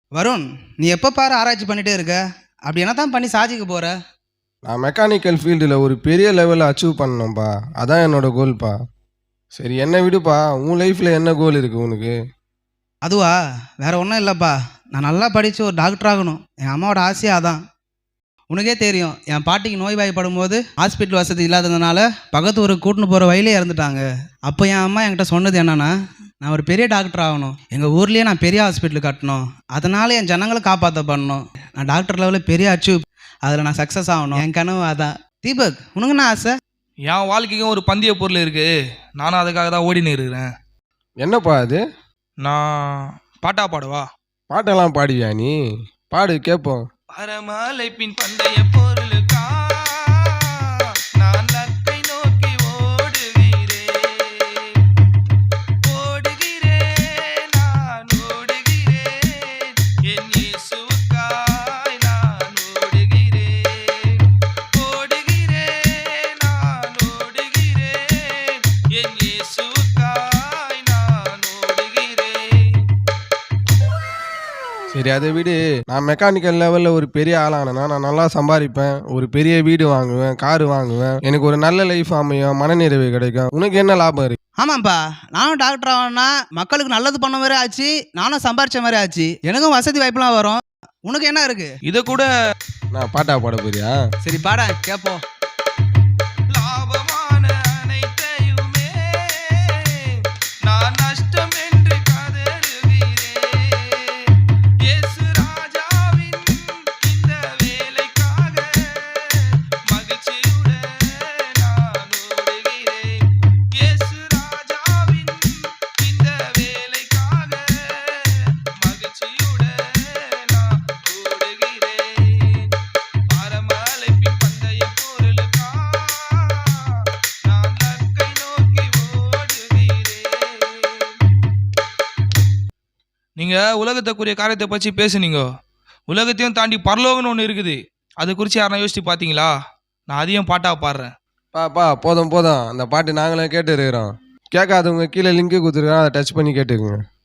வருண், நீ எப்போ பாரு ஆராய்ச்சி பண்ணிட்டே இருக்க. அப்படி என்ன தான் பண்ணி சாதிக்க போற? நான் மெக்கானிக்கல் ஃபீல்டில் ஒரு பெரிய லெவலில் அச்சீவ் பண்ணணும்ப்பா. அதான் என்னோட கோல்ப்பா. சரி என்ன விடுப்பா, உன் லைஃப்பில் என்ன கோல் இருக்குது உனக்கு? அதுவா, வேற ஒன்றும் இல்லைப்பா. நான் நல்லா படித்து ஒரு டாக்டர் ஆகணும். என் அம்மாவோட ஆசையே அதான். உனக்கே தெரியும், என் பாட்டிக்கு நோய்வாய்ப்படும் போது ஹாஸ்பிட்டல் வசதி இல்லாததுனால பக்கத்து ஊருக்கு கூட்டின்னு போகிற வழியிலே இறந்துட்டாங்க. அப்போ என் அம்மா என்கிட்ட சொன்னது என்னன்னா, நான் ஒரு பெரிய டாக்டர் ஆகணும், எங்கள் ஊர்லேயே நான் பெரிய ஹாஸ்பிட்டல் கட்டணும், அதனால என் ஜனங்களை காப்பாற்ற பண்ணணும், நான் டாக்டர் லெவலில் பெரிய அச்சீவ், அதில் நான் சக்ஸஸ் ஆகணும். என் கனவு அதான். தீபக், உனக்கு என்ன ஆசை? என் வாழ்க்கைக்கும் ஒரு பந்தய பொருள் இருக்கு. நானும் அதுக்காக தான் ஓடினு இருக்கிறேன். என்னப்பா அது? நான் பாட்டா பாடுவா? பாட்டெல்லாம் பாடுவியா நீ? பாடு கேட்போம். அறமாலை பின் பந்தய பொருளுக்கா நான் லக்கை நோக்கி ஓடுகிறேன், ஓடுகிறேன், நான் ஓடுகிறேன், என் இயேசுவுக்காய் நான் ஓடுகிறேன், ஓடுகிறேன், நான் ஓடுகிறேன், என் இயேசுவுக்காய் நான் ஓடுகிறேன். சரி அதை விடு. நான் மெக்கானிக்கல் லெவலில் ஒரு பெரிய ஆளானேன்னா நான் நல்லா சம்பாதிப்பேன், ஒரு பெரிய வீடு வாங்குவேன், காரு வாங்குவேன், எனக்கு ஒரு நல்ல லைஃப் அமையும், மனநிறைவு கிடைக்கும். உனக்கு என்ன லாபம் இருக்கு? ஆமாம்ப்பா, நானும் டாக்டர் ஆகணும்னா மக்களுக்கு நல்லது பண்ண மாதிரி ஆச்சு, நானும் சம்பாரிச்ச மாதிரி ஆச்சு, எனக்கும் வசதி வாய்ப்புலாம் வரும். உனக்கு என்ன இருக்கு? இதை கூட நான் பாட்டா பாட போறியா? சரி பாட கேட்போம். லாபமான அனைத்தையுமே நான் நஷ்டம் என்று கதறுகிறேன், இயேசு ராஜாவின் இந்த வேலைக்காக மகிழ்ச்சியுடன் நான் ஓடுகிறேன், இயேசு ராஜாவின் இந்த வேலைக்காக மகிழ்ச்சியுடன் நான் ஓடுகிறேன், அறமழைப்பின் பந்தய பொருளுக்கா நான் லக்கை நோக்கி ஓடுகிறேன். நீங்க உலகத்துக்குரிய காரியத்தை பற்றி பேசுனீங்க. உலகத்தையும் தாண்டி பரலோகம்னு ஒன்று இருக்குது. அதை குறித்து யாரா யோசிச்சு பார்த்தீங்களா? நான் அதையும் பாட்டா பாடுறேன். பா போதும் போதும், அந்த பாட்டு நாங்களே கேட்டு இருக்கிறோம். கேட்காதவங்க கீழே லிங்க்கு கொடுத்துருக்கோம், அதை டச் பண்ணி கேட்டுக்குங்க.